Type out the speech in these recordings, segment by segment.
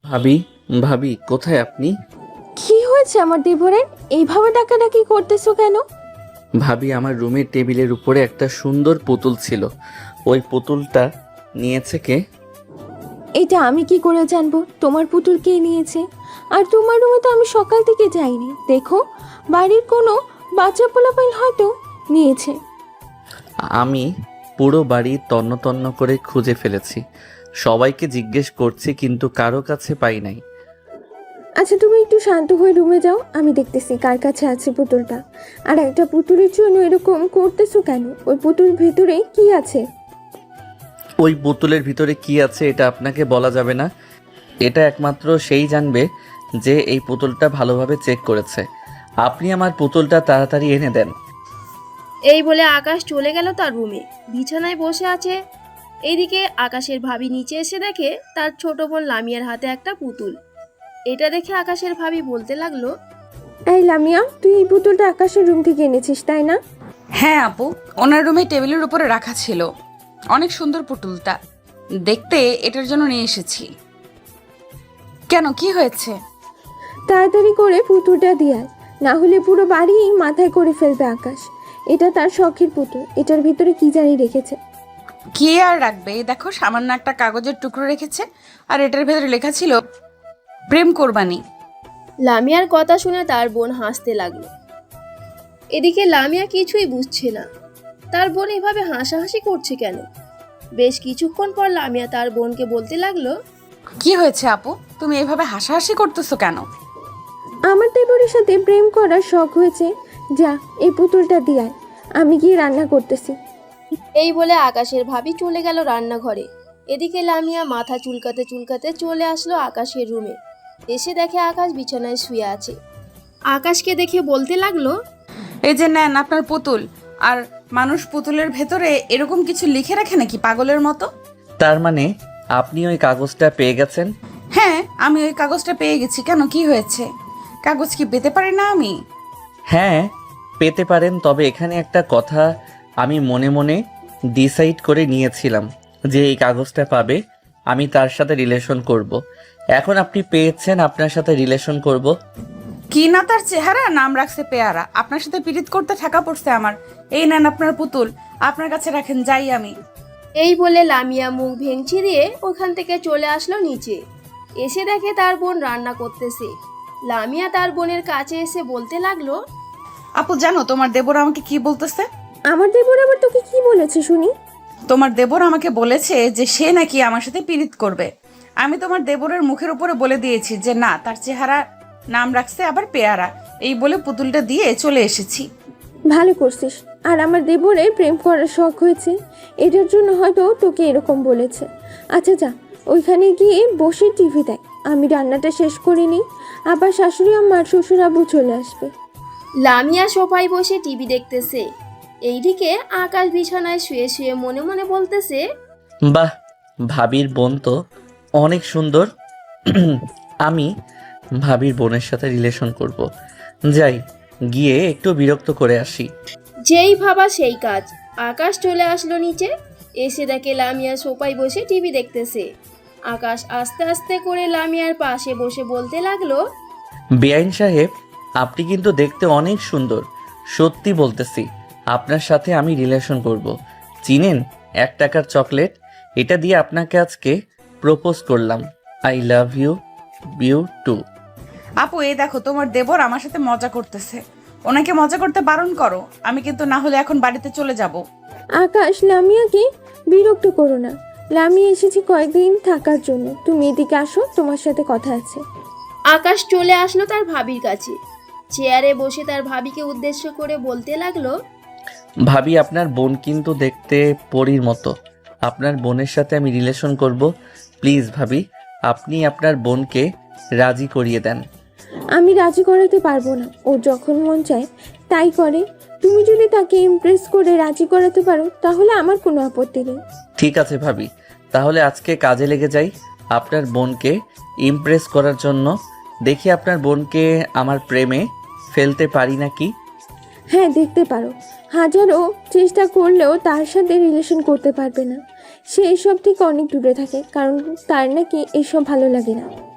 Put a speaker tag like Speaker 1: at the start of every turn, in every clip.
Speaker 1: ভাবি, ভাবি কোথায় আপনি?
Speaker 2: কি হয়েছে আমার দেবরের? এইভাবে ডাকাডাকি করতেছো কেন?
Speaker 1: ভাবি, আমার রুমের টেবিলের উপরে একটা সুন্দর পুতুল ছিল। ওই পুতুলটা নিয়েছে কে?
Speaker 2: এটা আমি কি করে জানবো তোমার পুতুল কে নিয়েছে? আর তোমার রুমে তো আমি সকাল থেকে যাইনি। দেখো, বাড়ির কোনো বাচ্চা পোলাপাইন হয়তো নিয়েছে।
Speaker 1: আমি পুরো বাড়ি তন্ন তন্ন করে খুঁজে ফেলেছি, সবাইকে জিজ্ঞেস করছি কিন্তু কারো কাছে পাই নাই।
Speaker 2: আচ্ছা, তুমি একটু শান্ত হয়ে রুমে যাও, আমি দেখতেছি কার কাছে আছে পুতুলটা। আর একটা পুতুলের জন্য এরকম করতেছো কেন? ওই পুতুল ভেতরে কি আছে?
Speaker 1: ওই পুতুলের ভিতরে কি আছে এটা আপনাকে বলা যাবে না। এটা একমাত্র সেই জানবে যে এই পুতুলটা ভালোভাবে চেক করেছে। আপনি আমার পুতুলটা তাড়াতাড়ি এনে দেন।
Speaker 3: এই বলে আকাশ চলে গেল তার রুমে। বিছানায় বসে আছে। এইদিকে আকাশের ভাবি নিচে এসে দেখে তার ছোট বোন লামিয়ার হাতে একটা পুতুল। এটা দেখে আকাশের ভাবি বলতে লাগলো,
Speaker 2: এই লামিয়া, তুই এই পুতুলটা আকাশের রুম থেকে এনেছিস তাই না?
Speaker 4: হ্যাঁ আপু, ওনার রুমে টেবিলের উপরে রাখা ছিল। অনেক সুন্দর পুতুলটা দেখতে, এটার জন্য নিয়ে এসেছি। কেন, কি হয়েছে?
Speaker 2: তাড়াতাড়ি করে পুতুলটা দিয়ে আয়, না হলে পুরো বাড়ি মাথায় করে ফেলবে আকাশ। এটা তার শখের পুতুল, এটার ভিতরে কি জানি রেখেছে।
Speaker 4: কি আর রাখবে, এই দেখো সামান্য একটা কাগজের টুকরো রেখেছে, আর এটার ভেতরে লেখা ছিল প্রেম কোরবানি।
Speaker 3: লামিয়ার কথা শুনে তার বোন হাসতে লাগলো। এদিকে লামিয়া কিছুই বুঝছে না, তার বোন এভাবে হাসাহাসি করছে কেন। বেশ কিছুক্ষণ পর লামিয়া তার বোনকে বলতে লাগলো,
Speaker 4: কি হয়েছে আপু, তুমি এভাবে হাসাহাসি করতেছো কেন?
Speaker 2: আমার দেবরের সাথে প্রেম করার শখ হয়েছে। যা, এই পুতুলটা দিয়ে আয়, আমি গিয়ে রান্না করতেছি।
Speaker 3: এই বলে আকাশের ভাবি চলে গেল রান্নাঘরে। এদিকে লামিয়া মাথা চুলকাতে চুলকাতে চলে আসলো আকাশের রুমে। এসে দেখে আকাশ বিছানায় শুয়ে আছে। আকাশকে দেখে বলতে লাগলো,
Speaker 4: এই যে নেন আপনার পুতুল। আর মানুষ পুতুলের ভেতরে এরকম কিছু লিখে রাখে নাকি পাগলের মতো?
Speaker 1: তার মানে আপনি ওই কাগজটা পেয়ে গেছেন?
Speaker 4: হ্যাঁ, আমি ওই কাগজটা পেয়ে গেছি। কেন, কি হয়েছে? কাগজ কি পেতে পারি না আমি?
Speaker 1: হ্যাঁ, পেতে পারেন, তবে এখানে একটা কথা আমি মনে মনে ডিসাইড করে নিয়েছিলাম যে এই কাগজটা পাবে আমি তার সাথে রিলেশন করব। এখন আপনি পেয়েছেন, আপনার সাথে রিলেশন করব।
Speaker 4: কি না তার চেহারা, নাম রাখছে পেয়ারা। আপনার সাথে পীড়িত করতে ঠেকা পড়ছে আমার। এই নেন আপনার পুতুল, আপনার কাছে রাখেন, যাই আমি।
Speaker 3: এই বলে লামিয়া মুখ ভেঙচি দিয়ে ওখান থেকে চলে আসলো নিচে। এসে দেখে তার বোন রান্না করতেছে। লামিয়া তার বোনের কাছে এসে বলতে লাগলো,
Speaker 4: আপু জানো তোমার দেবর আমাকে কি বলতেছে?
Speaker 2: আমার দেবর আবার তোকে কি বলেছে শুনি?
Speaker 4: তোমার দেবর আমাকে বলেছে যে সে নাকি আমার সাথে পীড়িত করবে। আমি তোমার দেবরের মুখের উপরে বলে দিয়েছি যে না, তার চেহারা নাম রাখছে আবার পেয়ারা। এই বলে পুতুলটা দিয়ে চলে এসেছি।
Speaker 2: ভালো করছিস। আর আমার দেবরের প্রেম করার শখ হয়েছে, এটার জন্য হয়তো তোকে এরকম বলেছে। আচ্ছা যা, ওইখানে গিয়ে বসে টিভি দেখ, আমি রান্নাটা শেষ করে নিই। আবার শাশুড়ি আমার শ্বশুর আব্বু চলে আসবে।
Speaker 3: লামিয়া সোফায় বসে টিভি দেখতেছে। এইদিকে আকাশ বিছানায় শুয়ে শুয়ে মনে মনে বলতেছে,
Speaker 1: বাহ, ভাবির বোন তো অনেক সুন্দর। আমি ভাবির বোনের সাথে রিলেশন করব। যাই, গিয়ে একটু বিরক্ত করে আসি।
Speaker 3: যেই ভাবা সেই কাজ। আকাশ চলে আসলো নিচে। এসে দেখে লামিয়া সোফায় বসে টিভি দেখতেছে। আকাশ আস্তে আস্তে করে লামিয়ার পাশে বসে বলতে লাগলো,
Speaker 1: বেআইন সাহেব, আপনি কিন্তু দেখতে অনেক সুন্দর। সত্যি বলতেছি, আপনার সাথে আমি রিলেশন করব। চিনেন 1 টাকার চকলেট? এটা দিয়ে আপনাকে আজকে প্রপোজ করলাম। I love you, you too.
Speaker 4: আপু এই দেখো তোমার দেবর আমার সাথে মজা করতেছে। ওনাকে মজা করতে বারণ করো, আমি কিন্তু না হলে এখন বাড়িতে চলে যাব।
Speaker 2: আকাশ, লামিয়াকে বিরক্ত করো না। লামিয়া এসেছি কয়েকদিন থাকার জন্য, তুমি এদিকে আসো, তোমার সাথে কথা আছে।
Speaker 3: আকাশ চলে আসলো তার ভাবির কাছে। চেয়ারে বসে তার ভাবিকে উদ্দেশ্য করে বলতে লাগলো,
Speaker 1: ভাবি, আপনার বোন কিন্তু দেখতে পরীর মতো। আপনার বোনের সাথে আমি রিলেশন করব। প্লিজ ভাবি, আপনি আপনার বোনকে রাজি করিয়ে দেন।
Speaker 2: আমি রাজি করাতে পারবো না, ও যখন মন চায় তাই করে। তুমি যদি তাকে ইমপ্রেস করে রাজি করাতে পারো তাহলে আমার কোনো আপত্তি নেই।
Speaker 1: ঠিক আছে ভাবি, তাহলে আজকে কাজে লেগে যাই আপনার বোনকে ইমপ্রেস করার জন্য। দেখি আপনার বোনকে আমার প্রেমে ফেলতে পারি নাকি।
Speaker 2: হ্যাঁ, দেখতে পারো। হাজারো চেষ্টা করলেও তার সাথে রিলেশন করতে পারবে না। সে এসব থেকে অনেক দূরে থাকে, কারণ তার নাকি এসব ভালো লাগে না।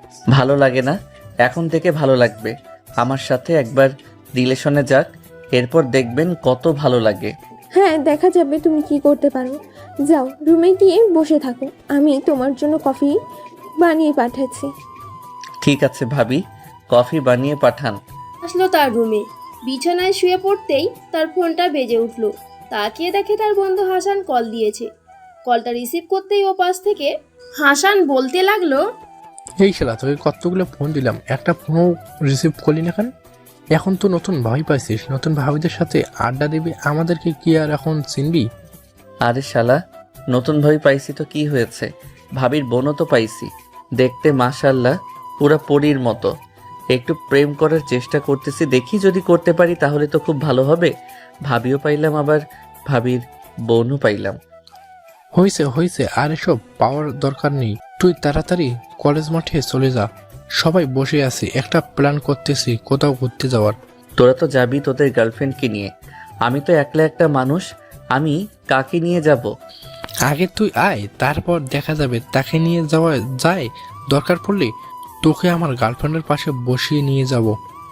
Speaker 1: ভালো লাগে না? এখন থেকে ভালো লাগবে। আমার সাথে একবার রিলেশনে যাক, এরপর দেখবেন কত ভালো লাগে।
Speaker 2: হ্যাঁ, দেখা যাবে তুমি কি করতে পারো। যাও, রুমে গিয়ে বসে থাকো, আমি তোমার জন্য কফি বানিয়ে পাঠাচ্ছি।
Speaker 1: ঠিক আছে ভাবি, কফি বানিয়ে পাঠান।
Speaker 3: আসলো তার রুমে, বিছানায় শুয়ে পড়তেই তার ফোনটা বেজে উঠল। তাকিয়ে দেখে তার বন্ধু হাসান কল দিয়েছে। কলটা রিসিভ করতেই ও পাশ থেকে হাসান বলতে লাগলো,
Speaker 5: এই শালা, তোকে কতগুলো ফোন দিলাম, একটা ফোনও রিসিভ করলি না কেন? এখন তো নতুন ভাবি পাইছিস, নতুন ভাবিদের সাথে আড্ডা দিবি, আমাদেরকে কি আর এখন চিনবি?
Speaker 1: আরে শালা, নতুন ভাবি পাইছি তো কি হয়েছে? ভাবির বোনও তো পাইছি, দেখতে মাশাল্লাহ পুরা পরীর মতো। একটু প্রেম করার চেষ্টা করতেছি, দেখি যদি করতে পারি তাহলে তো খুব ভালো হবে। ভাবিও পাইলাম, আবার ভাবির বোনও পাইলাম।
Speaker 5: হয়েছে হয়েছে, আর এসব পাওয়ার দরকার নেই। তুই তাড়াতাড়ি কলেজ মাঠে চলে যা, সবাই বসে আছি, একটা প্ল্যান করতেছি কোথাও ঘুরতে যাওয়ার।
Speaker 1: তোরা তো যাবি তোদের গার্লফ্রেন্ডকে নিয়ে, আমি তো একলা একটা মানুষ, আমি কাকে নিয়ে যাব?
Speaker 5: আগে তুই আয়, তারপর দেখা যাবে তাকে নিয়ে যাওয়া যায়। দরকার পড়লে তোকে আমার গার্লফ্রেন্ডের পাশে বসিয়ে নিয়ে যাব।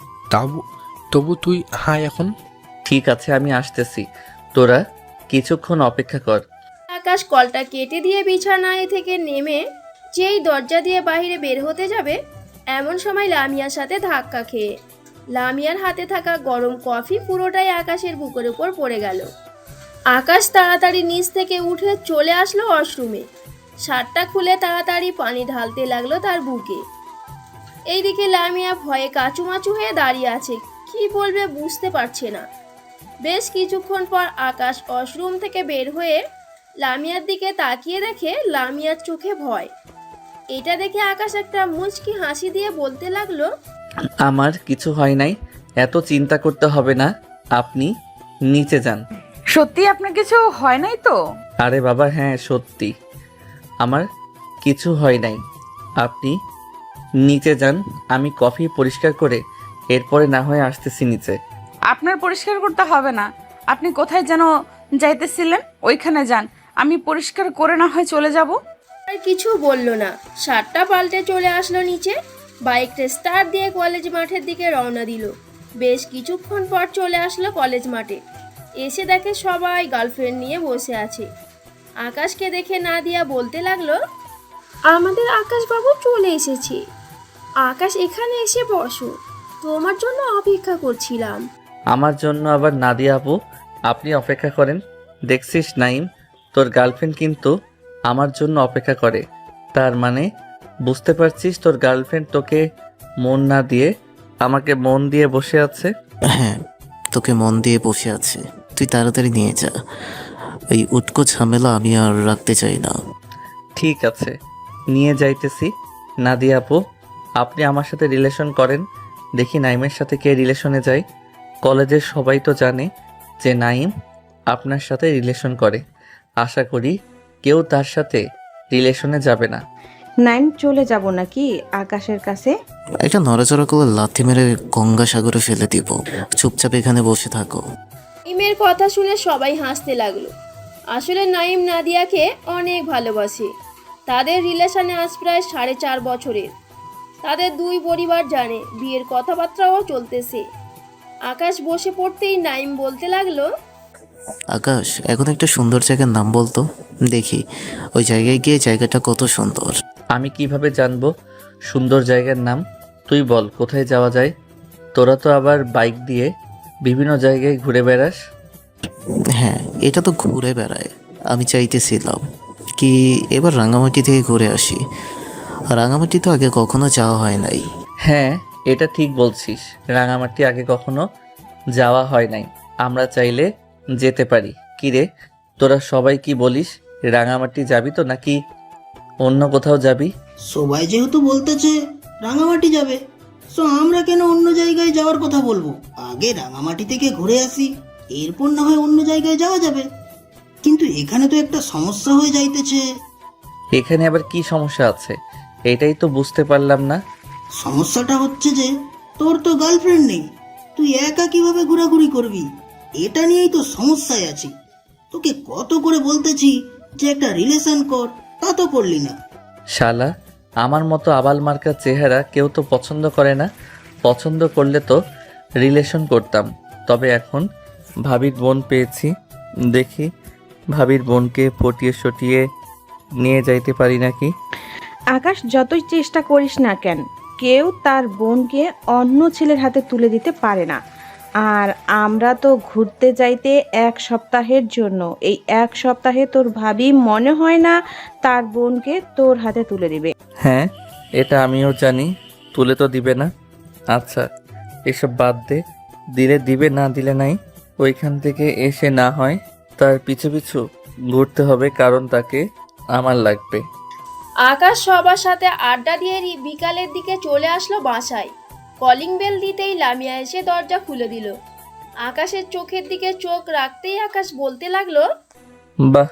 Speaker 5: তবু তুই হায় এখন।
Speaker 1: ঠিক আছে, আমি আসতেছি, তোরা কিছুক্ষণ অপেক্ষা কর।
Speaker 3: আকাশ কলটা কেটে দিয়ে বিছানায় থেকে নেমে যেই দরজা দিয়ে বাইরে বের হতে যাবে, এমন সময় লামিয়ার সাথে ধাক্কা খেয়ে লামিয়ার হাতে থাকা গরম কফি পুরোটাই আকাশের বুকের উপর পড়ে গেল। আকাশ তাড়াতাড়ি নিচ থেকে উঠে চলে আসলো ওয়াশরুমে। শার্টটা খুলে তাড়াতাড়ি পানি ঢালতে লাগলো তার বুকে। এইদিকে লামিয়া ভয়ে কাচুমাচু হয়ে দাঁড়িয়ে আছে, কি বলবে বুঝতে পারছে না। বেশ কিছুক্ষণ পর আকাশ ওয়াশরুম থেকে বের হয়ে লামিয়ার দিকে তাকিয়ে দেখে লামিয়ার চোখে ভয়। এটা দেখে আকাশ একটা মুচকি হাসি দিয়ে বলতে লাগলো,
Speaker 1: আমার কিছু হয় নাই, এত চিন্তা করতে হবে না, আপনি নিচে যান।
Speaker 4: সত্যি আপনার কিছু হয় নাই তো?
Speaker 1: আরে বাবা হ্যাঁ সত্যি, আমার কিছু হয় নাই, আপনি নিচে যান, আমি কফি পরিষ্কার করে এরপরে না হয় আসতেছি নিচে।
Speaker 4: আপনার পরিষ্কার করতে হবে না, আপনি কোথায় যেন যাইতেছিলেন, ওইখানে যান, আমি পরিষ্কার করে না হয় চলে যাব।
Speaker 3: আর কিছু বলল না, শার্টটা পাল্টে চলে আসলো নিচে। বাইকটা স্টার্ট দিয়ে কলেজ মাঠের দিকে রওনা দিল। বেশ কিছুক্ষণ পর চলে আসলো কলেজ মাঠে। এসে দেখে সবাই গার্লফ্রেন্ড নিয়ে বসে আছে। আকাশকে দেখে নাদিয়া বলতে লাগলো, আমাদের আকাশবাবু চলে এসেছে। আকাশ এখানে এসে বসো, তোমার জন্য অপেক্ষা করছিলাম।
Speaker 1: আমার জন্য আবার নাদিয়া আপু? আপনি অপেক্ষা করেন, দেখছিস নাইম, তোর গার্লফ্রেন্ড কিন্তু আমার জন্য অপেক্ষা করে। তার মানে বুঝতে পারছিস তোর গার্লফ্রেন্ড তোকে মন না দিয়ে আমাকে মন দিয়ে বসে আছে।
Speaker 6: হ্যাঁ, তোকে মন দিয়ে বসে আছে, তুই তাড়াতাড়ি নিয়ে যা, এই উটকো ঝামেলা আমি আর রাখতে চাই না।
Speaker 1: ঠিক আছে, নিয়ে যাইতেছি। নাদিয়া আপু, আপনি আমার সাথে রিলেশন করেন, দেখি নাইমের সাথে কে রিলেশনে যায়। কলেজের সবাই তো জানে যে নাইম আপনার সাথে রিলেশন করে, আশা করি কেউ তার সাথে রিলেশনে যাবে না।
Speaker 7: নাইম চলে যাব নাকি আকাশের কাছে?
Speaker 6: একটা নড়াচড়া করে লাথি মেরে গঙ্গা সাগরে ফেলে দিব, চুপচাপ এখানে বসে থাকো।
Speaker 3: নাইমের কথা শুনে সবাই হাসতে লাগলো। আসলে নাইম নাদিয়াকে অনেক ভালোবাসে। তাদের রিলেশনে আজ প্রায় 4.5 বছরের। তাদের দুই পরিবার জানে, বিয়ের কথাবার্তাও চলতেছে। আকাশ বসে পড়তেই নাইম বলতে লাগলো,
Speaker 6: আকাশ, এখন একটা সুন্দর জায়গার নাম বলতো, দেখি ওই জায়গায় গিয়ে জায়গাটা কত সুন্দর।
Speaker 1: আমি কিভাবে জানবো সুন্দর জায়গার নাম? তুই বল কোথায় যাওয়া যায়। তোরা তো আবার বাইক দিয়ে বিভিন্ন জায়গায় ঘুরে বেড়াস।
Speaker 6: হ্যাঁ, এটা তো ঘুরে বেড়ায়, আমি চাইতেছিলাম কি এবার রাঙামাটি থেকে ঘুরে আসি। রাঙামাটি তো আগে কখনো যাওয়া হয় নাই।
Speaker 1: হ্যাঁ, এটা ঠিক বলছিস, রাঙামাটি আগে কখনো যাওয়া হয় নাই, আমরা চাইলে যেতে পারি। কিরে, তোরা সবাই কি বলিস, রাঙামাটি যাবি তো নাকি অন্য কোথাও যাবি?
Speaker 8: সবাই যেহেতু বলতেছে রাঙামাটি যাবে, সো আমরা কেন অন্য জায়গায় যাওয়ার কথা বলবো? আগে রাঙামাটি থেকে ঘুরে আসি, এরপর না হয় অন্য জায়গায় যাওয়া যাবে। কিন্তু এখানে তো একটা সমস্যা হয়ে যাইতেছে।
Speaker 1: এখানে আবার কি সমস্যা আছে, এটাই তো বুঝতে পারলাম না।
Speaker 8: সমস্যাটা হচ্ছে যে তোর তো গার্লফ্রেন্ড নেই, তুই একা কিভাবে ঘোরাঘুরি করবি? এটা নিয়েই তো সমস্যায় আছি। তোকে কত করে বলতেছি যে একটা রিলেশন কর, তা তো করলি না।
Speaker 1: শালা, আমার মতো আবাল মার্কা চেহারা কেউ তো পছন্দ করে না। পছন্দ করলে তো রিলেশন করতাম। তবে এখন ভাবির বোন পেয়েছি, দেখি ভাবির বোনকে পটিয়ে সটিয়ে নিয়ে যাইতে পারি নাকি।
Speaker 7: আকাশ যতই চেষ্টা করিস না কেন, কেউ তার বোনকে অন্য ছেলের হাতে তুলে দিতে পারে না। আর আমরা তো ঘুরতে যাইতে 1 সপ্তাহের জন্য। এই 1 সপ্তাহে তোর ভাবি মনে হয় না তার বোনকে তোর হাতে তুলে দিবে।
Speaker 1: হ্যাঁ, এটা আমিও জানি, তুলে তো দিবে না। আচ্ছা, এসব বাদ দে, দিলে দিবে, না দিলে নাই। ওইখান থেকে এসে না হয় তার পিছু পিছু ঘুরতে হবে, কারণ তাকে আমার লাগবে।
Speaker 3: আকাশ সবার সাথে আড্ডা দিয়ে বিকালের দিকে চলে আসলো বাসায়। কলিং বেল দিতেই লামিয়া এসে দরজা খুলে দিল। আকাশের চোখের দিকে চোখ রাখতেই আকাশ বলতে লাগলো,
Speaker 1: বাহ,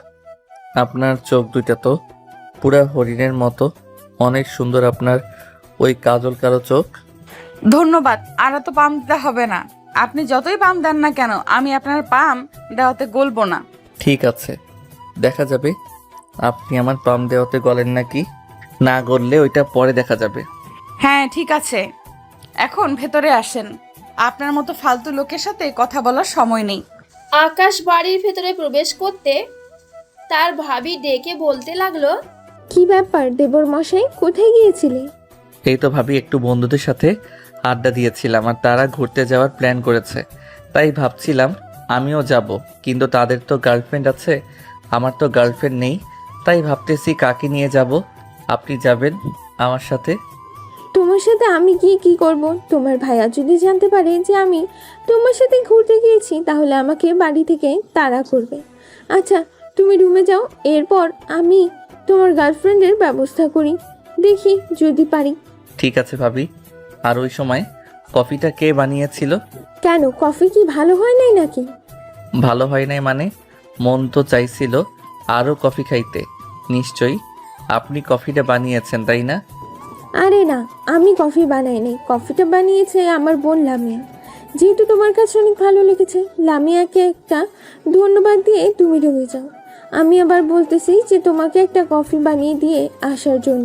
Speaker 1: আপনার চোখ দুইটা তো পুরা হরিণের মতো, অনেক সুন্দর আপনার ওই কাজল কালো চোখ।
Speaker 4: ধন্যবাদ। আর তো পাম দিতে হবে না। আপনি যতই পাম দেন না কেন, আমি আপনার পাম দেওয়াতে গলবো না।
Speaker 1: ঠিক আছে, দেখা যাবে আপনি আমার পাম দেওয়াতে গলেন নাকি। না গললে ওইটা পরে দেখা যাবে।
Speaker 4: হ্যাঁ ঠিক আছে, এখন ভেতরে আসেন। আপনার মতো ফালতু লোকের সাথে কথা বলার সময় নেই।
Speaker 3: আকাশ বাড়ির ভেতরে প্রবেশ করতে তার ভাবি ডেকে বলতে লাগলো,
Speaker 2: কি ব্যাপার দেবর মশাই, কোথায় গিয়েছিলে?
Speaker 1: এই তো ভাবি, একটু বন্ধুদের সাথে আড্ডা দিয়েছিলাম আর তারা ঘুরতে যাওয়ার প্ল্যান করেছে, তাই ভাবছিলাম আমিও যাব, কিন্তু তাদের তো গার্লফ্রেন্ড আছে, আমার তো গার্লফ্রেন্ড নেই, তাই ভাবতেছি কাকে নিয়ে যাব। আপনি যাবেন আমার সাথে?
Speaker 2: তোমার সাথে আমি গিয়ে কি করব? তোমার ভাইয়া যদি জানতে পারে যে আমি তোমার সাথে ঘুরতে গিয়েছি, তাহলে আমাকে বাড়ি থেকে তাড়া করবে। আচ্ছা, তুমি রুমে যাও, এরপর আমি তোমার গার্লফ্রেন্ডের ব্যবস্থা করি, দেখি যদি পারি।
Speaker 1: ঠিক আছে ভাবি। আর ওই সময় কফিটা কে বানিয়েছিল?
Speaker 2: কেন, কফি কি ভালো হয় নাই নাকি?
Speaker 1: ভালো হয় নাই মানে? মন তো চাইছিল আরও কফি খাইতে। নিশ্চয়ই আপনি কফিটা বানিয়েছেন, তাই না?
Speaker 2: আরে না, আমি কফি বানাই নাই, কফিটা বানিয়েছে আমার বোন লামিয়া। যেহেতু তোমার কাছে অনেক ভালো লেগেছে, লামিয়াকে একটা ধন্যবাদ দিয়ে তুমি রুমে যাও। আমি আবার বলতেছি যে তোমাকে একটা কফি বানিয়ে দিয়ে আসার জন্য।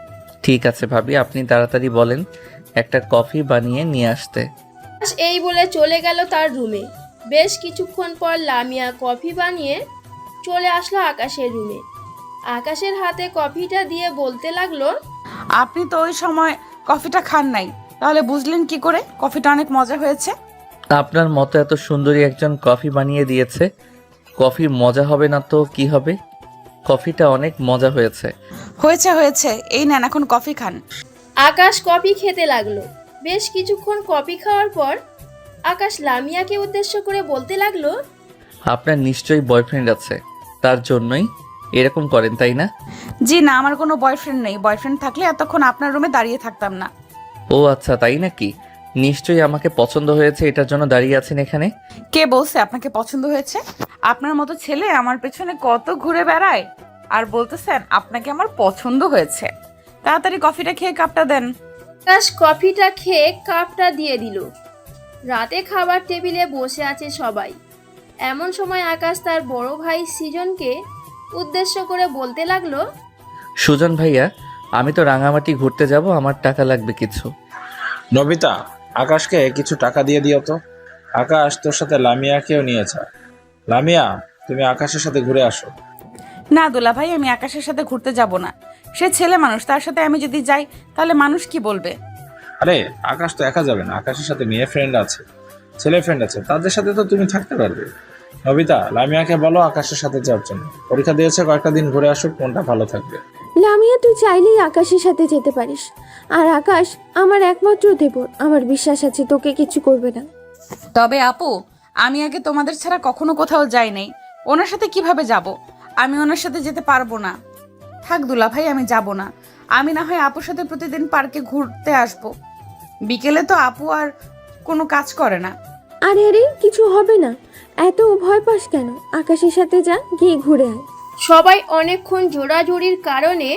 Speaker 1: ঠিক আছে ভাবি, আপনি তাড়াতাড়ি বলেন একটা কফি বানিয়ে নিয়ে আসতে।
Speaker 3: আকাশ এই বলে চলে গেল তার রুমে। বেশ কিছুক্ষণ পর লামিয়া কফি বানিয়ে চলে আসলো আকাশের রুমে। আকাশের হাতে কফিটা দিয়ে বলতে লাগলো,
Speaker 4: আপনি তো ওই সময় কফিটা খান নাই, তাহলে বুঝলেন কি করে কফিটা অনেক মজা হয়েছে?
Speaker 1: আপনার মতো এত সুন্দরী একজন কফি বানিয়ে দিয়েছে, কফি মজা হবে না তো কি হবে? কফিটা অনেক মজা হয়েছে।
Speaker 4: হয়েছে হয়েছে, এই নেন এখন কফি খান।
Speaker 3: আকাশ কফি খেতে লাগলো। বেশ কিছুক্ষণ কফি খাওয়ার পর আকাশ লামিয়াকে উদ্দেশ্য করে বলতে লাগলো,
Speaker 1: আপনার নিশ্চয়ই বয়ফ্রেন্ড আছে, তার জন্যই এরকম করেন, তাই না?
Speaker 4: জি না, আমার কোনো বয়ফ্রেন্ড নেই। বয়ফ্রেন্ড থাকলে এতক্ষণ আপনার রুমে দাঁড়িয়ে থাকতাম না।
Speaker 1: ও আচ্ছা, তাই নাকি? নিশ্চয়ই আমাকে পছন্দ হয়েছে, এটার জন্য দাঁড়িয়ে আছেন এখানে।
Speaker 4: কে বলছে আপনাকে পছন্দ হয়েছে? আপনার মতো ছেলে আমার পেছনে কত ঘুরে বেড়ায়, আর বলতেছেন আপনাকে আমার পছন্দ হয়েছে। তাড়াতাড়ি কফিটা খেয়ে কাপটা দেন।
Speaker 3: আকাশ কফিটা খেয়ে কাপটা দিয়ে দিল। রাতে খাবার টেবিলে বসে আছে সবাই। এমন সময় আকাশ তার বড় ভাই সৃজনকে উদ্দেশ্য করে বলতে লাগলো,
Speaker 1: সুজন ভাইয়া, আমি তো রাঙামাটি ঘুরতে যাব, আমার টাকা লাগবে কিছু।
Speaker 9: নবিতা, আকাশকে কিছু টাকা দিয়ে দিও তো। আকাশ তোর সাথে লামিয়াকেও নিয়েছে। লামিয়া, তুমি আকাশের সাথে ঘুরে আসো।
Speaker 4: না দুলা ভাই, আমি আকাশের সাথে ঘুরতে যাব না। সে ছেলে মানুষ, তার সাথে আমি যদি যাই তাহলে মানুষ কি বলবে?
Speaker 9: আরে আকাশ তো একা যাবে না, আকাশের সাথে মেয়ে ফ্রেন্ড আছে, ছেলে ফ্রেন্ড আছে, তাদের সাথে তো তুমি থাকতে পারবে। নবিতা, লামিয়াকে বলো আকাশের সাথে যাওয়ার জন্য। পরীক্ষা দিয়েছে, কয়েকটা দিন ঘুরে আসুক, মনটা ভালো থাকবে।
Speaker 2: লামিয়া, তুই চাইলেই আকাশের সাথে যেতে পারিস। আর আকাশ আমার একমাত্র দেবর, আমার বিশ্বাস আছে তোকে কিছু করবে না।
Speaker 4: তবে আপু, আমি আগে তোমাদের ছাড়া কখনো কোথাও যাই নাই, ওনার সাথে কিভাবে যাব? আমি ওনার সাথে যেতে পারবো না। থাক দুলা ভাই, আমি যাব না। আমি না হয় আপুর সাথে প্রতিদিন পার্কে ঘুরতে আসব। বিকেলে তো আপু আর কোনো কাজ করে না।
Speaker 2: আরে আরে, কিছু হবে না, এত ভয় পাস কেন? আকাশের সাথে যা, গিয়ে ঘুরে আয়।
Speaker 3: সবাই অনেকক্ষণ জোড়াজুড়ির কারণে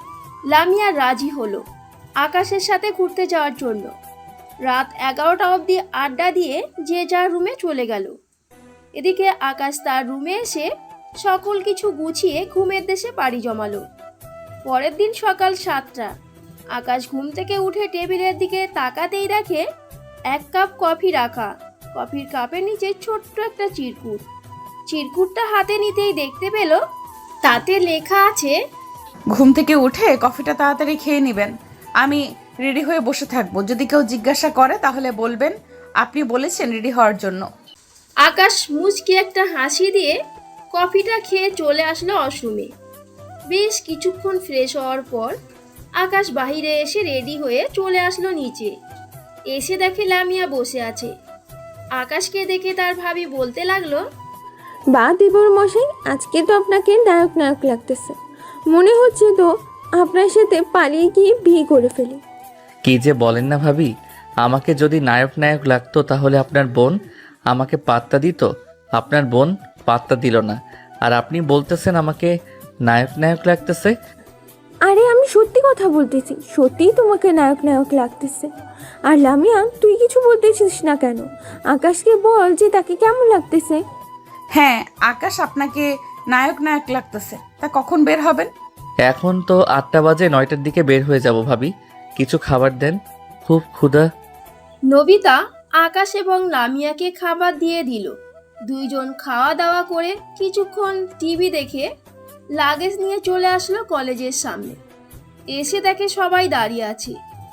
Speaker 3: লামিয়া রাজি হলো আকাশের সাথে ঘুরতে যাওয়ার জন্য। রাত 11টা অবধি আড্ডা দিয়ে যে যার রুমে চলে গেল। এদিকে আকাশ তার রুমে এসে সকল কিছু গুছিয়ে ঘুমের দেশে পাড়ি জমালো। পরের দিন সকাল 7টা। আকাশ ঘুম থেকে উঠে টেবিলের দিকে তাকাতেই দেখে 1 কাপ কফি রাখা, কফির কাপের নিচে ছোট্ট একটা চিরকুট। চিরকুটটা হাতে নিতেই দেখতে পেল তাতে লেখা আছে,
Speaker 4: ঘুম থেকে উঠে কফিটা তাড়াতাড়ি খেয়ে নেবেন। আমি রেডি হয়ে বসে থাকবো, যদি কেউ জিজ্ঞাসা করে তাহলে বলবেন আপনি বলেছেন রেডি হওয়ার জন্য।
Speaker 3: আকাশ মুচকি একটা হাসি দিয়ে কফিটা খেয়ে চলে আসলো ওয়াশরুমে। বেশ কিছুক্ষণ ফ্রেশ হওয়ার পর আকাশ বাইরে এসে রেডি হয়ে চলে আসলো নিচে। এসে দেখে লামিয়া বসে আছে। আকাশকে দেখে তার ভাবি বলতে লাগলো,
Speaker 2: বা দেবর মশাই, আজকে তো আপনাকে নায়ক নায়ক লাগতেছে। মনে হচ্ছে তো আপনার সাথে পালিয়ে গিয়ে বিয়ে করে ফেলি।
Speaker 1: কি যে বলেন না ভাবি, আমাকে যদি নায়ক নায়ক লাগতো তাহলে আপনার বোন আমাকে পাত্তা দিত। আপনার বোন পাত্তা দিল না, আর আপনি বলতেছেন আমাকে নায়ক নায়ক লাগতেছে।
Speaker 2: আরে আমি সত্যি কথা বলতেছি, সত্যিই তোমাকে নায়ক নায়ক লাগতেছে। আর লামিয়া, তুই কিছু বলতেছিস না কেন? আকাশকে বল যে তাকে কেমন লাগতেছে।
Speaker 4: হ্যাঁ, আকাশ আপনাকে নায়ক নায়ক লাগতেছে। তা কখন বের হবেন?
Speaker 1: এখন তো 8টা বাজে, 9টার দিকে বের হয়ে যাব ভাবি। কিছু খাবার দেন, খুব ক্ষুধা।
Speaker 3: নবিতা আকাশ এবং লামিয়াকে খাবার দিয়ে দিল। দুইজন খাওয়া দাওয়া করে কিছুক্ষণ টিভি দেখে লাগেজ নিয়ে চলে আসলো কলেজের সামনে। এসে দেখে সবাই দাঁড়িয়ে আছে।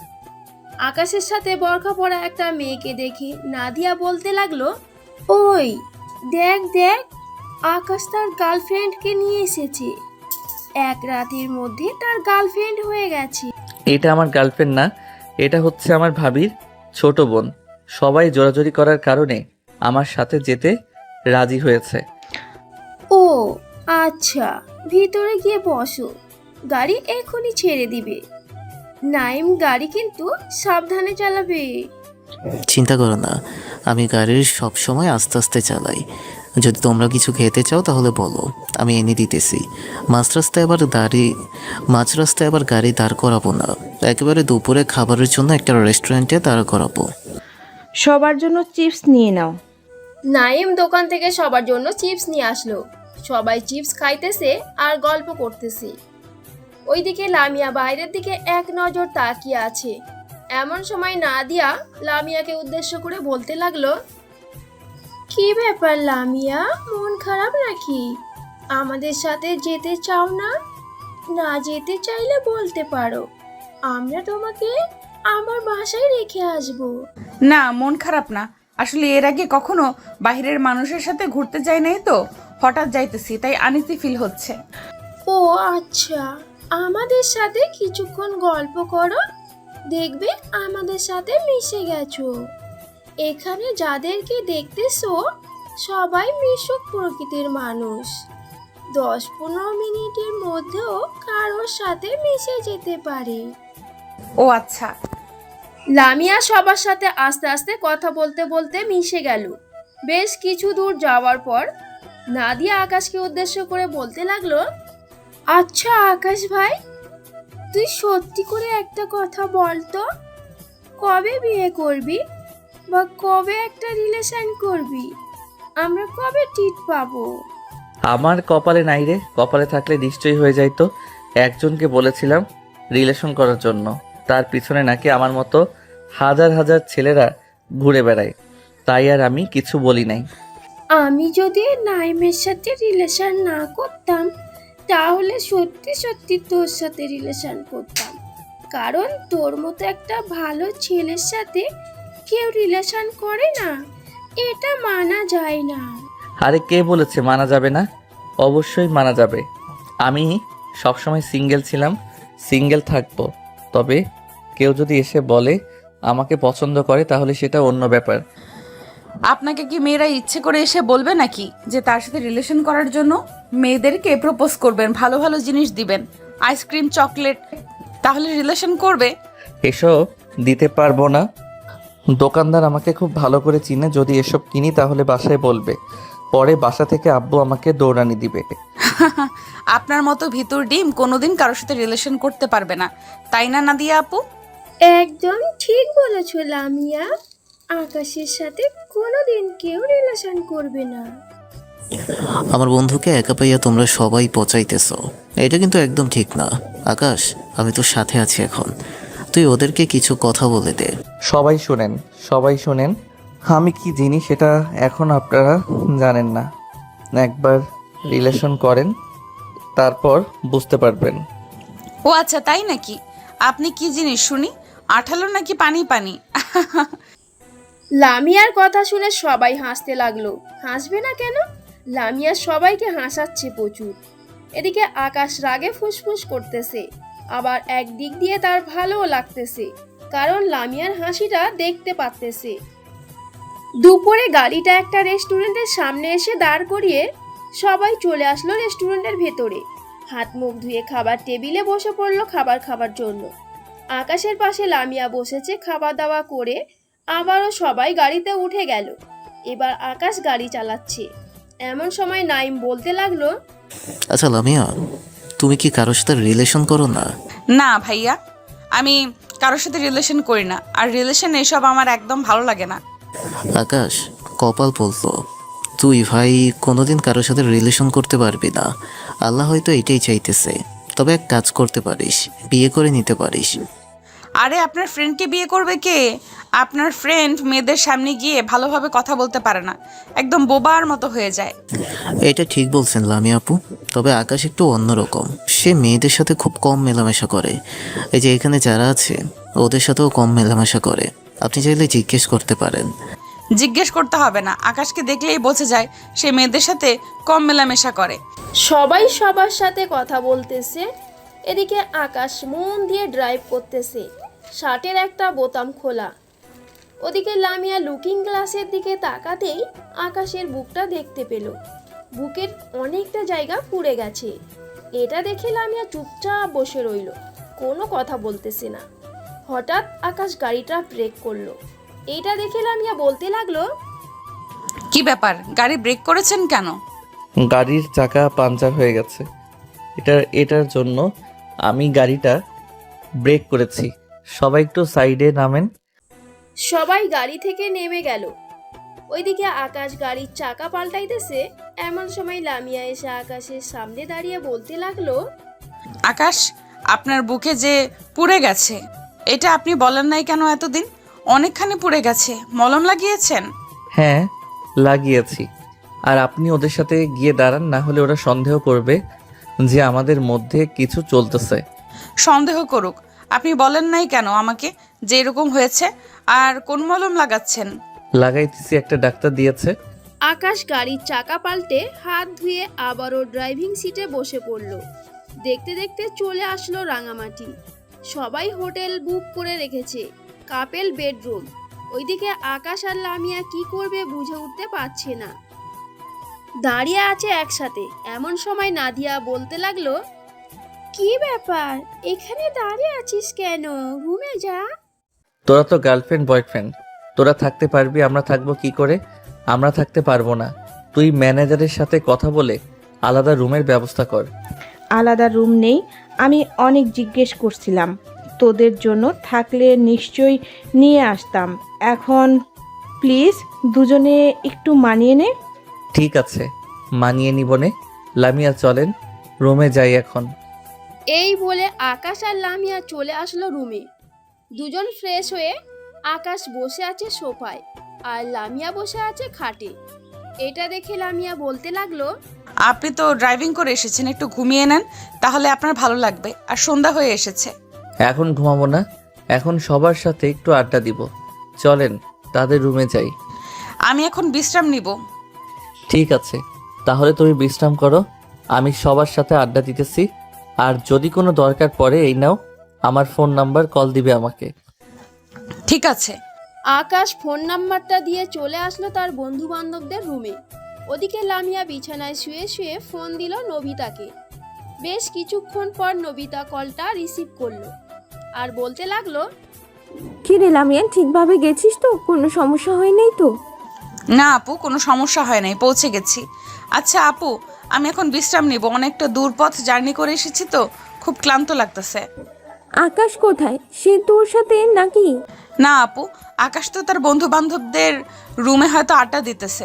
Speaker 3: আকাশের সাথে বরখা পরা একটা মেয়েকে দেখে নাদিয়া বলতে লাগলো, ওই দেখ দেখ, আকাশ তার গার্লফ্রেন্ডকে নিয়ে এসেছে। 1 রাতের মধ্যে তার গার্লফ্রেন্ড হয়ে গেছে।
Speaker 1: এটা আমার গার্লফ্রেন্ড না, এটা হচ্ছে আমার ভাবির ছোট বোন। সবাই জোরাজোরি করার কারণে আমার সাথে যেতে রাজি হয়েছে।
Speaker 3: ও আচ্ছা, ভিতরে গিয়ে বসো, গাড়ি এখনই ছেড়ে দিবে। নাইম গাড়ি কিন্তু সাবধানে চালাবে।
Speaker 6: চিন্তা করো না, আমি গাড়ির সব সময় আস্তে আস্তে চালাই। যদি তোমরা কিছু খেতে চাও তাহলে বলো, আমি এনে দিতেছি। মাঝ রাস্তায় আবার গাড়ি দাঁড় করাবো না, একেবারে দুপুরে খাবারের জন্য একটা রেস্টুরেন্টে দাঁড় করাবো।
Speaker 7: সবার জন্য চিপস নিয়ে নাও।
Speaker 3: নাইম দোকান থেকে সবার জন্য চিপস নিয়ে আসলো। সবাই চিপস খাইতেছে আর গল্প করতেছে। ওইদিকে লামিয়া বাইরের দিকে এক নজর তাকিয়ে আছে। এমন সময় নাদিয়া লামিয়াকে উদ্দেশ্য করে বলতে লাগলো, কি ব্যাপার লামিয়া, মন খারাপ নাকি? আমাদের সাথে যেতে চাও না? না যেতে চাইলে বলতে পারো, আমরা তোমাকে আমার বাসায় রেখে আসবো।
Speaker 4: না, মন খারাপ না। আসলে এর আগে কখনো বাইরের মানুষের সাথে ঘুরতে যাই নাই তো, হঠাৎ যাইতেছি, তাই আনইজি ফিল হচ্ছে।
Speaker 3: ও আচ্ছা, আমাদের সাথে কিছুক্ষণ গল্প করো, দেখবে আমাদের সাথে মিশে গেছো। এখানে যাদেরকে দেখতেছো সবাই মিশুক প্রকৃতির মানুষ। 10-15 মিনিটের মধ্যেও কারোর সাথে মিশে যেতে পারে।
Speaker 4: ও আচ্ছা।
Speaker 3: লামিয়া সবার সাথে আস্তে আস্তে কথা বলতে বলতে মিশে গেল। বেশ কিছু দূর যাওয়ার পর নাদিয়া আকাশকে উদ্দেশ্য করে বলতে লাগলো, আচ্ছা আকাশ ভাই, তুই সত্যি করে একটা কথা বল তো, কবে বিয়ে করবি বা কবে একটা রিলেশন করবি? আমরা কবে টিট পাবো?
Speaker 1: আমার কপালে নাই রে, কপালে থাকলে নিশ্চয়ই হয়ে যাইতো। একজনকে বলেছিলাম রিলেশন করার জন্য, তার পিছনে নাকি আমার মতো হাজার হাজার ছেলেরা ঘুরে বেড়ায়, তাই আর আমি কিছু বলি নাই।
Speaker 3: আমি যদি নাইমের সাথে রিলেশন না করতাম তাহলে সত্যি সত্যি তোর সাথে রিলেশন করতাম, কারণ তোর মতো একটা ভালো ছেলের সাথে কেউ রিলেশন করে না, এটা মানা যায় না।
Speaker 1: আরে কে বলেছে মানা যাবে না? অবশ্যই মানা যাবে। আমি সবসময় সিঙ্গেল ছিলাম, সিঙ্গেল থাকবো। তবে কেউ যদি এসে বলে আমাকে পছন্দ করে তাহলে সেটা অন্য ব্যাপার।
Speaker 4: আপনাকে কি মেয়েরা ইচ্ছে করে এসে বলবে নাকি যে তার সাথে রিলেশন করার জন্য? মেয়েদেরকে প্রপোজ করবেন, ভালো ভালো জিনিস দিবেন, আইসক্রিম, চকলেট, তাহলে রিলেশন করবে।
Speaker 1: এসব দিতে পারবো না। দোকানদার আমাকে খুব ভালো করে চিনে, যদি এসব কিনি তাহলে বাসায় বলবে, পরে বাসা থেকে আব্বু আমাকে দৌড়ানি দিবে।
Speaker 4: আপনার মতো ভিতর ডিম কোনোদিন কারোর সাথে রিলেশন করতে পারবে না, তাই না নাদিয়া আপু?
Speaker 3: একদম ঠিক বলেছো লামিয়া, আকাশের সাথে কোনোদিন কেউ রিলেশন করবে না।
Speaker 6: আমার বন্ধুকে একা পাইয়া তোমরা সবাই পচাইতেছ, এটা কিন্তু একদম ঠিক না। আকাশ, আমি তোর সাথে আছি এখন, তুই ওদেরকে কিছু কথা বলে দে।
Speaker 1: সবাই শুনেন, সবাই শুনেন, আমি কি জিনিস সেটা এখন আপনারা জানেন না। একবার রিলেশন করেন, তারপর বুঝতে পারবেন।
Speaker 4: ও আচ্ছা, তাই নাকি? আপনি কি জিনিস শুনি? আঠালো নাকি পানি পানি?
Speaker 3: লামিয়ার কথা শুনে সবাই হাসতে লাগলো। হাসবে না কেন? লামিয়া সবাইকে হাসাচ্ছে প্রচুর। এদিকে আকাশ রাগে ফুসফুস করতেছে, আবার একদিক দিয়ে তার ভালোও লাগতেছে, কারণ লামিয়ার হাসিটা দেখতে পারতেছে। দুপুরে গাড়িটা একটা রেস্টুরেন্টের সামনে এসে দাঁড় করিয়ে সবাই চলে আসলো রেস্টুরেন্টের ভেতরে। হাত মুখ ধুয়ে খাবার টেবিলে বসে পড়লো খাবার খাবার জন্য। আকাশের পাশে লামিয়া বসেছে খাওয়া দাওয়া করে। আবারও সবাই গাড়িতে উঠে গেল। এবার আকাশ গাড়ি চালাচ্ছে। এমন সময় নাইম বলতে লাগলো,
Speaker 6: আচ্ছা লামিয়া, তুমি কি কারোর সাথে রিলেশন করো না?
Speaker 4: না ভাইয়া, আমি কারোর সাথে রিলেশন করি না, আর রিলেশন এসব আমার একদম ভালো লাগে না।
Speaker 6: আকাশ, কপাল বলতো তুই ভাই কোনোদিন কারোর সাথে রিলেশন করতে পারবি না। আল্লাহ হয়তো এটাই চাইতেছে। তবে এক কাজ করতে পারিস, বিয়ে করে নিতে পারিস।
Speaker 4: আরে আপনার ফ্রেন্ডকে বিয়ে করবে কে? আপনার ফ্রেন্ড মেয়েদের সামনে গিয়ে ভালোভাবে কথা বলতে পারে না, একদম বোবার মতো হয়ে যায়।
Speaker 6: এটা ঠিক বলছেন লামিয়া আপু, তবে আকাশ একটু অন্যরকম। সে মেয়েদের সাথে খুব কম মেলামেশা করে। এই যে এখানে যারা আছে ওদের সাথেও কম মেলামেশা করে। আপনি চাইলে জিজ্ঞেস করতে পারেন।
Speaker 4: জিজ্ঞেস করতে হবে না, আকাশকে দেখলেই বোঝা যায় সে মেয়েদের সাথে কম মেলামেশা করে।
Speaker 3: সবাই সবার সাথে কথা বলতেছে। এদিকে আকাশ মন দিয়ে ড্রাইভ করতেছে, শার্টের একটা বোতাম খোলা। ওদিকে লামিয়া লুকিং গ্লাসের দিকে তাকাতেই আকাশের বুকটা দেখতে পেল। বুকের অনেকটা জায়গা পুড়ে গেছে। এটা দেখে লামিয়া চুপচাপ বসে রইল, কোনো কথা বলতেছে না। হঠাৎ আকাশ গাড়িটা ব্রেক করলো। এটা দেখে লামিয়া বলতে লাগলো,
Speaker 4: কি ব্যাপার, গাড়ি ব্রেক করেছেন কেন?
Speaker 1: গাড়ির চাকা পাঞ্চার হয়ে গেছে, এটার জন্য আমি গাড়িটা ব্রেক করেছি। সবাই একটু সাইডে নামেন।
Speaker 3: সবাই গাড়ি থেকে নেমে গেল। ওইদিকে আকাশ গাড়ির চাকা পাল্টাইতেছে। এমন সময় লামিয়া এসে আকাশের সামনে দাঁড়িয়ে বলতে লাগলো,
Speaker 4: আকাশ, আপনার বুকে যে পুড়ে গেছে, এটা আপনি বলেন নাই কেন এতদিন? অনেকখানি পুড়ে গেছে, মলম লাগিয়েছেন?
Speaker 1: হ্যাঁ, লাগিয়েছি। আর আপনি ওদের সাথে গিয়ে দাঁড়ান, না হলে ওরা সন্দেহ করবে যে আমাদের মধ্যে কিছু চলতেছে।
Speaker 4: সন্দেহ করুক, আপনি বলেন নাই কেন আমাকে যে এরকম হয়েছে? আর কোন মলম লাগাচ্ছেন?
Speaker 1: লাগাইতেছি, একটা ডাক্তার দিয়েছে।
Speaker 3: আকাশ গাড়ির চাকা পাল্টে হাত ধুয়ে আবারও ড্রাইভিং সিটে বসে পড়ল। দেখতে দেখতে চলে আসলো রাঙামাটি। সবাই হোটেল বুক করে রেখেছে, কাপেল বেডরুম। ওইদিকে আকাশ আর লামিয়া কি করবে বুঝে উঠতে পারছে না, দাঁড়িয়ে আছে একসাথে। এমন সময় নাদিয়া বলতে লাগলো, কি ব্যাপার, এখানে দাঁড়িয়ে আছিস কেন? রুমে যা।
Speaker 1: তোরা তো গার্লফ্রেন্ড বয়ফ্রেন্ড, তোরা থাকতে পারবি, আমরা থাকবো কি করে? আমরা থাকতে পারবো না। তুই ম্যানেজারের সাথে কথা বলে আলাদা রুমের ব্যবস্থা কর।
Speaker 7: আলাদা রুম নেই, আমি অনেক জিজ্ঞেস করছিলাম। তোদের জন্য থাকলে নিশ্চয়ই নিয়ে আসতাম। এখন প্লিজ দুজনে একটু মানিয়ে নে।
Speaker 1: ঠিক আছে, মানিয়ে নিবনে। লামিয়া চলেন, রুমে যাই এখন।
Speaker 3: এই বলে আকাশ আর লামিয়া চলে আসলো রুমে। দুজন ফ্রেশ হয়ে আকাশ বসে আছে সোফায় আর লামিয়া বসে আছে খাটে। এটা দেখে লামিয়া বলতে লাগলো,
Speaker 4: আপনি তো ড্রাইভিং করে এসেছেন, একটু ঘুমিয়ে নেন, তাহলে আপনার ভালো লাগবে। আর সন্ধ্যা হয়ে এসেছে।
Speaker 1: এখন ঘুমাবো না, এখন সবার সাথে একটু আড্ডা দিব। চলেন তাদের রুমে যাই।
Speaker 4: আমি এখন বিশ্রাম নিব।
Speaker 1: ঠিক আছে, তাহলে তুমি বিশ্রাম করো, আমি সবার সাথে আড্ডা দিতেছি। আর যদি কোনো দরকার পড়ে এই নাও আমার ফোন নাম্বার, কল দিবে আমাকে।
Speaker 4: ঠিক আছে।
Speaker 3: আকাশ ফোন নাম্বারটা দিয়ে চলে আসলো তার বন্ধু বান্ধবদের রুমে। ওদিকে লামিয়া বিছানায় শুয়ে শুয়ে ফোন দিল নবিতাকে। বেশ কিছুক্ষণ পর নবিতা কলটা রিসিভ করলো আর বলতে লাগলো,
Speaker 2: কি রে লামিয়া, ঠিকভাবে গেছিস তো? কোনো সমস্যা হয় নাই তো?
Speaker 4: না আপু, কোনো সমস্যা হয় নাই, পৌঁছে গেছি। আচ্ছা আপু, আমি এখন বিশ্রাম নিব, অনেকটা দূর পথ জার্নি করে এসেছি তো, খুব ক্লান্ত লাগতেছে।
Speaker 2: আকাশ কোথায়? সে তোর সাথে নাকি?
Speaker 4: না আপু, আকাশ তো তার বন্ধু বান্ধবদের রুমে হয়তো আড্ডা দিতেছে।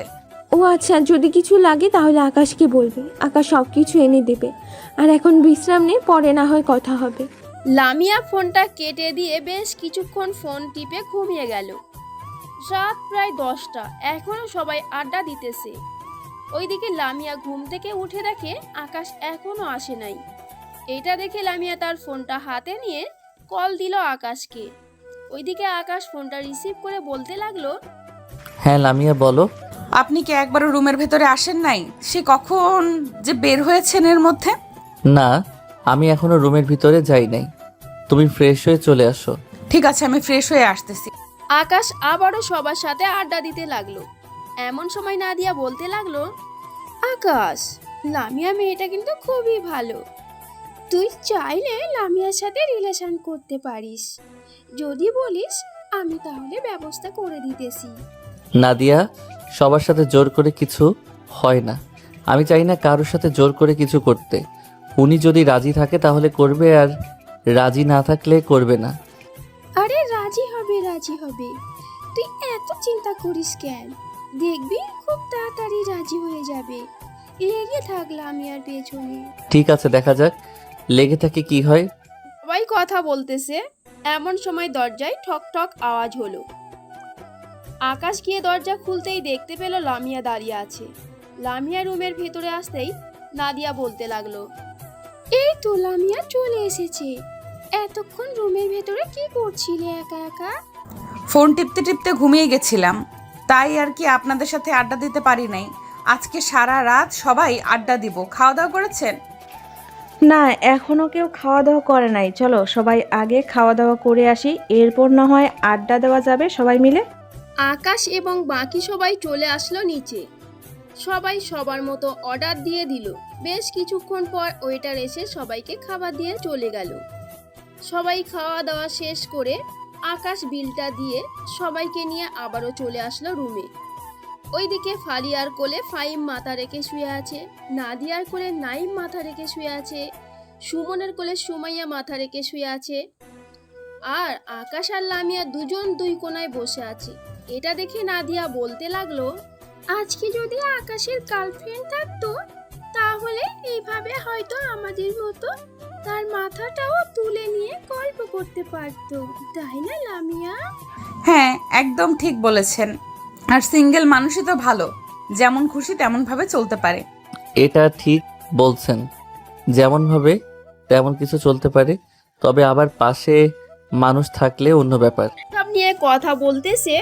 Speaker 2: ও আচ্ছা, যদি কিছু লাগে তাহলে আকাশকে বলবে, আকাশ সব কিছু এনে দেবে। আর এখন বিশ্রাম নে, পরে না হয় কথা হবে।
Speaker 3: লামিয়া ফোনটা কেটে দিয়ে বেশ কিছুক্ষণ ফোন টিপে ঘুমিয়ে গেল। রাত প্রায় 10টা, এখনো সবাই আড্ডা দিতেছে। ওইদিকে লামিয়া ঘুম থেকে উঠে দেখে আকাশ এখনো আসে নাই। এটা দেখে লামিয়া তার ফোনটা হাতে নিয়ে কল দিল আকাশকে। ওইদিকে আকাশ ফোনটা রিসিভ করে বলতে লাগলো,
Speaker 1: হ্যাঁ লামিয়া বলো।
Speaker 4: আপনি কি একবারও রুমের ভেতরে আসেন নাই? সে কখন যে বের হয়েছেন এর মধ্যে?
Speaker 1: না, আমি এখনো রুমের ভিতরে যাই নাই, তুমি ফ্রেশ হয়ে চলে আসো।
Speaker 4: ঠিক আছে, আমি ফ্রেশ হয়ে আসতেছি।
Speaker 3: আকাশ আবারও সবার সাথে আড্ডা দিতে লাগলো। এমন সময় নাদিয়া বলতে লাগলো, আকাশ, লামিয়া মেয়েটা কিন্তু খুবই ভালো। তুই চাইলে লামিয়ার সাথে রিলেশন করতে পারিস। যদি বলিস আমি তাহলে ব্যবস্থা করে দিতেছি।
Speaker 1: নাদিয়া, সবার সাথে জোর করে কিছু হয় না। আমি চাই না কারোর সাথে জোর করে কিছু করতে। উনি যদি রাজি থাকে তাহলে করবে, আর রাজি না থাকলে করবে না।
Speaker 3: আরে রাজি হবে, রাজি হবে। তুই এত চিন্তা করিস কেন? দেখবি খুব তাড়াতাড়ি রাজি হয়ে যাবে। লেগে থাক লামিয়ার পেছনে।
Speaker 1: ঠিক আছে, দেখা যাক লেগে থাকে কি হয়।
Speaker 3: সবাই কথা বলতেছে, এমন সময় দরজায় ঠক ঠক আওয়াজ হলো। আকাশ গিয়ে দরজা খুলতেই দেখতে পেল লামিয়া দাঁড়িয়ে আছে। লামিয়া রুমের ভেতরে আসতেই নাদিয়া বলতে লাগলো, এই তো লামিয়া চলে এসেছে। এতক্ষণ রুমের ভেতরে কি করছিলে একা একা?
Speaker 4: ফোন টিপতে টিপতে ঘুমিয়ে গেছিলাম, তাই আর কি আপনাদের সাথে আড্ডা দিতে পারি নাই। আজকে সারা রাত সবাই আড্ডা দিব। খাওয়া দাওয়া করেছেন?
Speaker 7: না, এখনো কেউ খাওয়া দাওয়া করে নাই। চলো সবাই আগে খাওয়া দাওয়া করে আসি, এরপর না হয় আড্ডা দেওয়া যাবে সবাই মিলে।
Speaker 3: আকাশ এবং বাকি সবাই চলে আসলো নিচে। সবাই সবার মতো অর্ডার দিয়ে দিল। বেশ কিছুক্ষণ পর ওয়েটার এসে সবাইকে খাবার দিয়ে চলে গেল। সবাই খাওয়া দাওয়া শেষ করে আকাশ বিলটা দিয়ে সবাইকে নিয়ে আবারও চলে আসলো রুমে। ওইদিকে ফারিয়ার কোলে ফাইম মাথা রেখে শুয়ে আছে, নাদিয়ার কোলে নাইম মাথা রেখে শুয়ে আছে, সুমনের কোলে সুমাইয়া মাথা রেখে শুয়ে আছে, আর আকাশ আর লামিয়া দুজন দুই কোনায় বসে আছে। এটা দেখে নাদিয়া বলতে লাগলো, আজকে যদি আকাশের গার্লফ্রেন্ড থাকতো তাহলে এইভাবে হয়তো আমাদের মতো তার মাথাটাও তুলে নিয়ে গল্প করতে পারতো, তাই না লামিয়া?
Speaker 4: হ্যাঁ, একদম ঠিক বলেছেন। আর সিঙ্গেল মানুষই তো ভালো, যেমন খুশি তেমন ভাবে চলতে পারে।
Speaker 1: এটা ঠিক বলছেন, যেমন ভাবে তেমন কিছু চলতে পারে, তবে আবার পাশে মানুষ থাকলে অন্য ব্যাপার।
Speaker 3: সব নিয়ে কথা বলতেছে।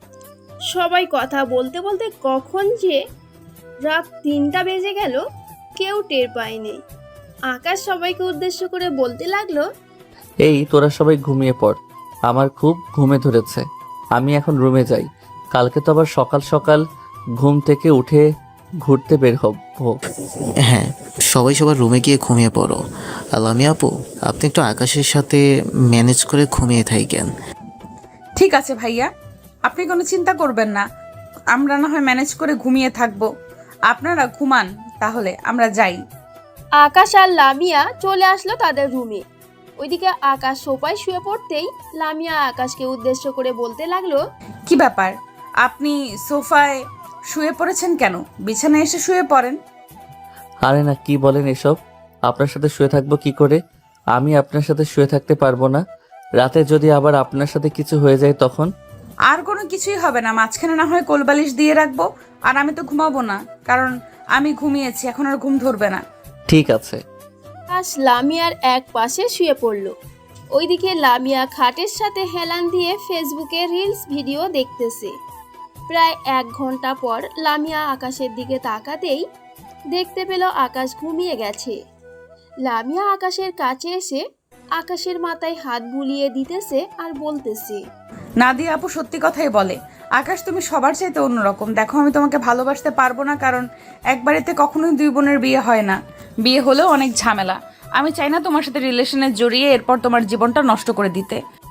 Speaker 3: সবাই কথা বলতে বলতে কখন যে রাত 3টা বেজে গেল কেউ টের পায়নি। আকাশ সবাইকে উদ্দেশ্য করে বলতে লাগলো,
Speaker 1: এই তোরা সবাই ঘুমিয়ে পড়, আমার খুব ঘুমে ধরেছে, আমি এখন রুমে যাই। কালকে তো আবার সকাল সকাল ঘুম থেকে উঠে ঘুরতে বের হব।
Speaker 6: হ্যাঁ, সবাই সবার রুমে গিয়ে ঘুমিয়ে পড়ো। আর লামিয়া আপু, আপনি একটু আকাশের সাথে ম্যানেজ করে ঘুমিয়ে থাকেন।
Speaker 4: ঠিক আছে ভাইয়া, আপনি কোনো চিন্তা করবেন না, আমরা না হয় ম্যানেজ করে ঘুমিয়ে থাকবো। আপনারা ঘুমান, তাহলে আমরা যাই।
Speaker 3: আকাশ আর লামিয়া চলে আসলো তাদের রুমে। ওইদিকে আকাশ সোফায় শুয়ে পড়তেই লামিয়া আকাশকে উদ্দেশ্য করে বলতে লাগলো,
Speaker 4: কি ব্যাপার, আপনি সোফায় শুয়ে পড়েছেন কেন? বিছানায় এসে শুয়ে পড়েন।
Speaker 1: আরে না, কি বলেন এসব? আপনার সাথে শুয়ে থাকবো কি করে? আমি আপনার সাথে শুয়ে থাকতে পারবো না। রাতে যদি আবার আপনার সাথে কিছু হয়ে যায় তখন?
Speaker 4: আর কোনো কিছুই হবে না, মাঝখানে না হয় কোলবালিশ দিয়ে রাখবো। আর আমি তো ঘুমাবো না, কারণ আমি ঘুমিয়েছি, এখন আর ঘুম ধরবে না।
Speaker 1: ঠিক আছে।
Speaker 3: আকাশ লামিয়ার এক পাশে শুয়ে পড়ল। ওইদিকে লামিয়া খাটের সাথে হেলান দিয়ে ফেসবুকে রিলস ভিডিও দেখতেছে। প্রায় 1 ঘন্টা পর লামিয়া আকাশের দিকে তাকাতেই দেখতে পেল আকাশ ঘুমিয়ে গেছে। লামিয়া আকাশের কাছে এসে আকাশের মাথায় হাত বুলিয়ে দিতেছে আর বলতেছে,
Speaker 4: নাদিয়া আপু সত্যি কথাই বলে, আকাশ তুমি সবার চাইতে অন্যরকম। দেখো, আমি তোমাকে ভালোবাসতে পারবো না, কারণ এক বাড়িতে কখনোই 2 বোনের বিয়ে হয় না, বিয়ে হলেও অনেক ঝামেলা। আমি চাই না তোমার সাথে রিলেশনে জড়িয়ে এরপর তোমার জীবনটা নষ্ট করে দিতে।